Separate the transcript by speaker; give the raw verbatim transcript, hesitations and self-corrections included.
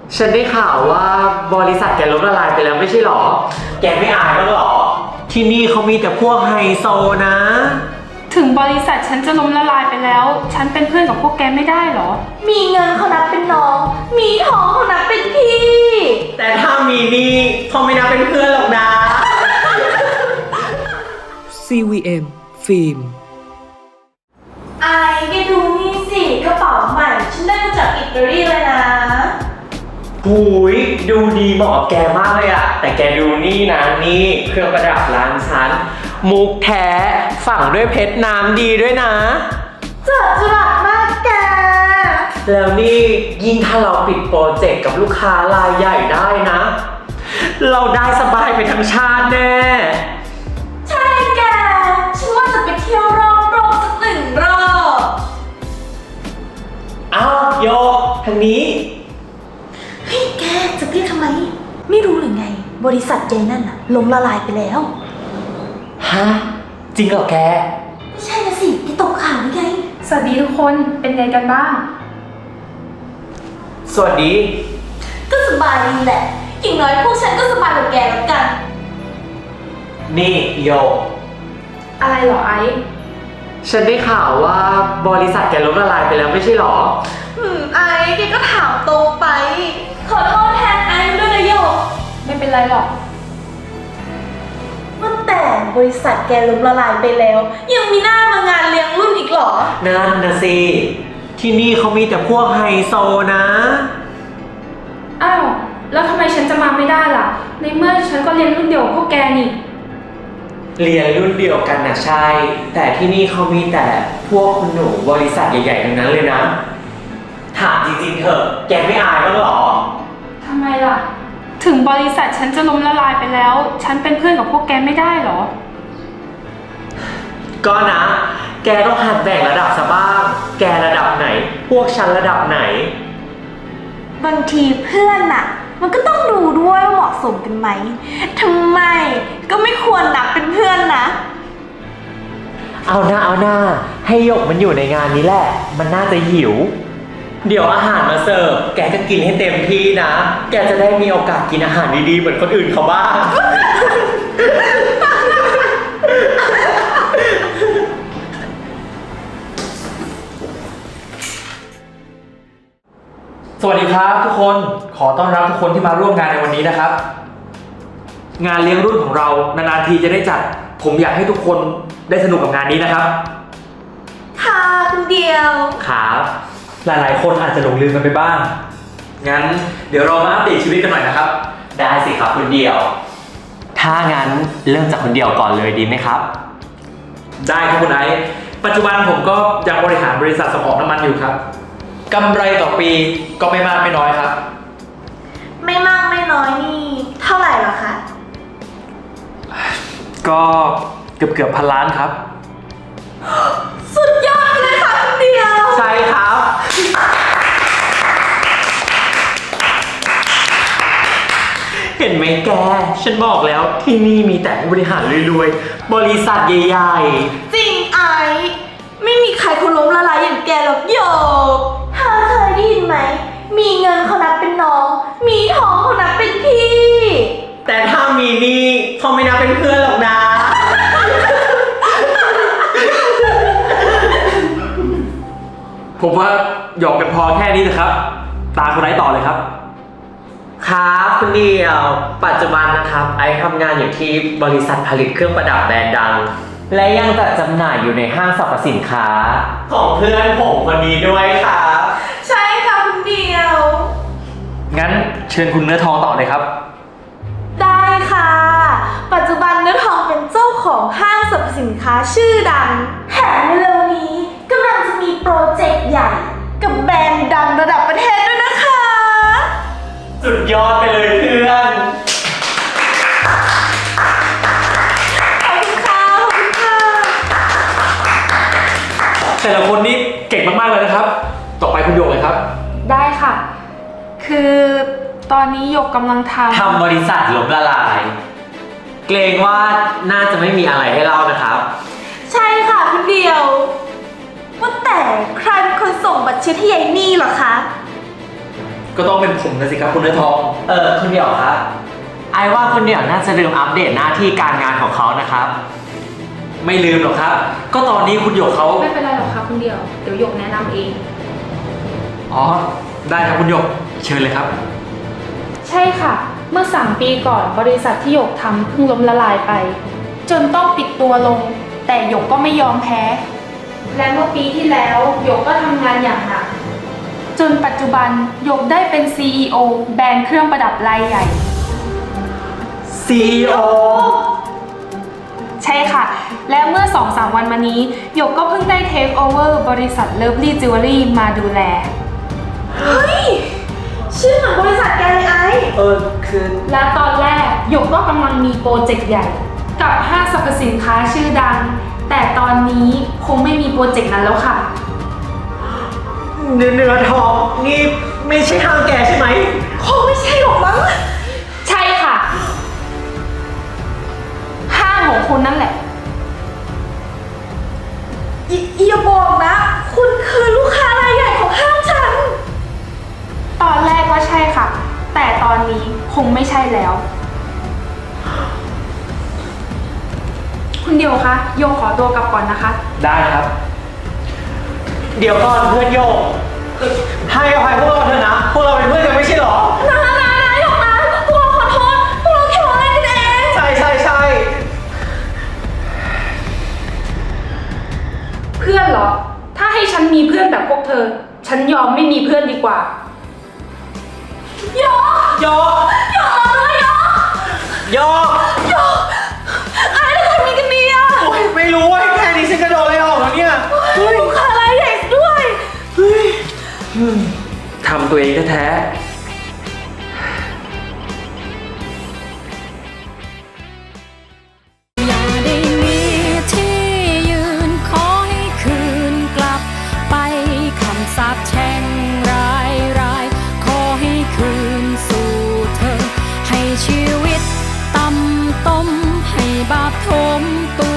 Speaker 1: ฉันได้ข่าวว่าบริษัทแกล้มละลายไปแล้วไม่ใช่หรอ แกไม่อายบ้างหรอ ที่นี่เขามีแต่พวกไฮโซนะ
Speaker 2: ถึงบริษัทฉันจะล้มละลายไปแล้ว ฉันเป็นเพื่อนกับพวกแกไม่ได้หรอ
Speaker 3: มีเงินเขานับเป็นน้อง มีทองเขานับเป็นพี่
Speaker 1: แต่ถ้ามีนี่เขาไม่นับเป็นเพื่อนหรอกนะ
Speaker 4: ซี วี เอ็ม ฟิล์ม
Speaker 3: ไอ้แกดูนี่สิกระเป๋าใหม่ ฉันได้มาจากอิตาลีเลยนะ
Speaker 1: หูยดูดีเหมาะกับแกมากเลยอะแต่แกดูนี่นะนี่เครื่องประดับร้านฉันมุกแท้ฝังด้วยเพชรน้ำดีด้วยนะ
Speaker 3: เจิดจรัสมากแก
Speaker 1: แล้วนี่ยิ่งถ้าเราปิดโปรเจกต์กับลูกค้ารายใหญ่ได้นะ เราได้สบายไปทั้งชาติแน่
Speaker 3: ใช่แก ฉันว่าจะไปเที่ยวรอบโลกสักหนึ่งรอบ
Speaker 1: อ้าวโยกทางนี้
Speaker 3: เฮ้ยแกจะเรียกทำไม ไม่รู้หรือไง บริษัทใหญ่นั่นน่ะล้มละลายไปแล้ว
Speaker 1: ฮะ จริงเหรอแก
Speaker 3: ไม่ใช่นะสิแกตกข่าวหรือไง
Speaker 2: สวัสดีทุกคน เป็นไงกันบ้าง
Speaker 1: สวัสดี
Speaker 3: ก็สบายดีแหละ อย่างน้อยพวกฉันก็สบายกว่าแกแล้วกัน
Speaker 1: นี่โยก
Speaker 2: อะไรเหรอไอซ์
Speaker 1: ฉันได้ข่าวว่าบริษัทแกล้มละลายไปแล้วไม่ใช่หรอ
Speaker 3: อืมไอ้แกก็ถามตรงไป ขอโทษแทนไอ้ด้วยนะโยก
Speaker 2: ไม่เป็นไรหรอก
Speaker 3: ว่าแต่บริษัทแกล้มละลายไปแล้ว ยังมีหน้ามางานเลี้ยงรุ่นอีกเหรอ
Speaker 1: นั่นนะสิ ที่นี่เขามีแต่พวกไฮโซนะ
Speaker 2: อ้าว แล้วทำไมฉันจะมาไม่ได้ล่ะ ในเมื่อฉันก็เรียนรุ่นเดียวกับพวกแกนี่
Speaker 1: เรียนรุ่นเดียวกันนะใช่ แต่ที่นี่เขามีแต่พวกคุณหนูบริษัทใหญ่ๆทั้งนั้นเลยนะ ถามจริงๆเถอะ แกไม่อายบ้างหรอ
Speaker 2: ทำไมล่ะ ถึงบริษัทฉันจะล้มละลายไปแล้ว ฉันเป็นเพื่อนกับพวกแกไม่ได้หรอ
Speaker 1: ก็นะ แกต้องหัดแบ่งระดับซะบ้าง แกระดับไหน พวกฉันระดับไหน
Speaker 3: บางทีเพื่อนน่ะ มันก็ต้องดูด้วยว่าเหมาะสมกันไหมทำไมก็ไม่ควรนับเป็นเพื่อนนะ
Speaker 1: เอาหน้าเอาหน้า ให้หยกมันอยู่ในงานนี้แหละ มันน่าจะหิว เดี๋ยวอาหารมาเสิร์ฟ แกก็กินให้เต็มที่นะ แกจะได้มีโอกาสกินอาหารดีๆเหมือนคนอื่นเขาบ้าง
Speaker 5: สวัสดีครับทุกคน ขอต้อนรับทุกคนที่มาร่วมงานในวันนี้นะครับ งานเลี้ยงรุ่นของเรานานๆทีจะได้จัด ผมอยากให้ทุกคนได้สนุกกับงานนี้นะครับ
Speaker 3: ค่ะคุณเดียว
Speaker 1: ครับ
Speaker 5: หลายๆ คนอาจจะหลงลืมกันไปบ้าง งั้นเดี๋ยวเรามาอัปเดตชีวิตกันหน่อยนะครับ
Speaker 1: ได้สิครับคุณเดียว ถ้างั้นเริ่มจากคุณเดียวก่อนเลยดีไหมครับ
Speaker 5: ได้ครับคุณไอซ์ปัจจุบันผมก็ยังบริหารบริษัทส่งออกน้ำมันอยู่ครับกำไรต่อปีก็ไม่มากไม่น้อยครับ
Speaker 3: ไม่มากไม่น้อยนี่เท่าไหร่หรอคะ
Speaker 5: ก็เกือบเกือบพันล้านครับ
Speaker 3: สุดยอดเลยค่ะคุณเดียว
Speaker 1: ใช่ครับ เห็นไหมแก ฉันบอกแล้วที่นี่มีแต่ผู้บริหารรวยๆ บริษัทใหญ่
Speaker 3: จริงไอ้ไม่มีใครเขาล้มละลายอย่างแกหรอกโยกเธอเคยได้ยินไหม มีเงินเขานับเป็นน้อง มีทองเขานับเป็นพี่
Speaker 1: ๆ แต่ถ้ามีนี่เขาไม่นับเป็นเพื่อนหรอกนะ
Speaker 5: ผมว่าหยอกกันพอแค่นี้นะครับ ตาคุณไอซ์ต่อเลยครับ
Speaker 1: ครับคุณเดียว ปัจจุบันนะครับ ไอซ์ทำงานอยู่ที่บริษัทผลิตเครื่องประดับแบรนด์ดัง และยังจัดจำหน่ายอยู่ในห้างสรรพสินค้า ของเพื่อนผมคนนี้ด้วยครับ
Speaker 3: ใช่ค่ะคุณเดียว
Speaker 5: งั้นเชิญคุณเนื้อทองต่อเลยครับ
Speaker 3: ได้ค่ะ ปัจจุบันเนื้อทองเป็นเจ้าของห้างสรรพสินค้าชื่อดังแถมเร็วๆนี้กำลังจะมีโปรเจกต์ใหญ่ กับแบรนด์ดังระดับประเทศด้วยนะคะ
Speaker 1: สุดยอดไปเลยเพื่อน
Speaker 3: ขอบคุณค่ะ ขอบคุณค่ะ
Speaker 5: แต่ละคนนี่เก่งมากๆเลยนะครับ ต่อไปคุณโยกเลยครับ
Speaker 2: ได้ค่ะ คือตอนนี้หยกกำลังทำ
Speaker 1: ทำบริษัทล้มละลาย เกรงว่าน่าจะไม่มีอะไรให้เล่านะครับ
Speaker 3: ใช่ค่ะคุณเดียว ว่าแต่ใครเป็นคนส่งบัตรเช็คให้ยายนี่เหรอคะ
Speaker 5: ก็ต้องเป็นผมนะสิครับคุณเนื้อทอง
Speaker 1: เออคุณเดี่ยวครับไอว่าคุณเดี่ยวน่าจะลืมอัปเดตหน้าที่การงานของเขานะครับ
Speaker 5: ไม่ลืมหรอกครับ ก็ตอนนี้คุณหยกเขา
Speaker 2: ไม่เป็นไรหรอกค่ะคุณเดียว เดี๋ยวหยกแนะนำเอง
Speaker 5: อ๋อ ได้ครับคุณหยก เชิญเลยครับ
Speaker 2: ใช่ค่ะ เมื่อสามปีก่อนบริษัทที่หยกทำเพิ่งล้มละลายไป จนต้องปิดตัวลง แต่หยกก็ไม่ยอมแพ้ และเมื่อปีที่แล้วหยกก็ทำงานอย่างหนัก จนปัจจุบันหยกได้เป็น ซี อี โอ แบรนด์เครื่องประดับรายใหญ่
Speaker 1: ซี อี โอ
Speaker 2: ใช่ค่ะ และเมื่อ สองสาม วันมานี้หยกก็เพิ่งได้เทคโอเวอร์บริษัท Lovely Jewelry มาดูแล
Speaker 3: เฮ้ย ชื่อเหมือนบริษัทแกเลยไอ้
Speaker 1: เออคือ
Speaker 2: และตอนแรกหยกก็กำลังมีโปรเจกต์ใหญ่ กับห้างสรรพสินค้าชื่อดัง แต่ตอนนี้คงไม่มีโปรเจกต์นั้นแล้วค่ะ
Speaker 1: เนื้อเนื้อทองนี่ไม่ใช่ห้างแกใช่ไหม
Speaker 3: คงไม่ใช่หรอกมั้ง
Speaker 2: ใช่ค่ะ ห้างของคุณนั่นแหละ
Speaker 3: ออย่าบอกนะ คุณคือลูกค้ารายใหญ่ของห้างฉัน
Speaker 2: ตอนแรกว่าใช่ค่ะ แต่ตอนนี้คงไม่ใช่แล้ว คุณเดียวคะโยกขอตัวกลับก่อนนะคะ
Speaker 5: ได้ครับ
Speaker 1: เดี๋ยวก่อนเพื่อนโยกเอ่อให้อภัยพวกเราเถอะนะ พวกเราเป็นเพื่อนกันไม่ใช่หรอ
Speaker 3: นะนะนะหยกนะพวกเราขอโทษพวกเราแค่ล้อเล่นกันเอง
Speaker 1: ใช่ใช่ใช่
Speaker 2: เพื่อนเหรอ ถ้าให้ฉันมีเพื่อนแบบพวกเธอ ฉันยอมไม่มีเพื่อนดีกว่า
Speaker 3: หยก
Speaker 1: โยก
Speaker 3: หยกรอด้วยหยก
Speaker 1: โยก
Speaker 3: หยกไอ้เราทำยังไงกันดีอะ
Speaker 1: โอ๊ยไม่รู้เว้ยแค่นี้ฉันกระโดดเลยออกแล้วเนี่ย
Speaker 3: เฮ้ยลูกค้ารายใหญ่ด้วย
Speaker 5: ทำตัวเองแท้ๆ
Speaker 6: อย่าได้มีที่ยืนขอให้คืนกลับไปคำสาปแช่งร้ายร้ายขอให้คืนสู่เธอ ให้ชีวิตต่ำต้มให้บาปทมตัว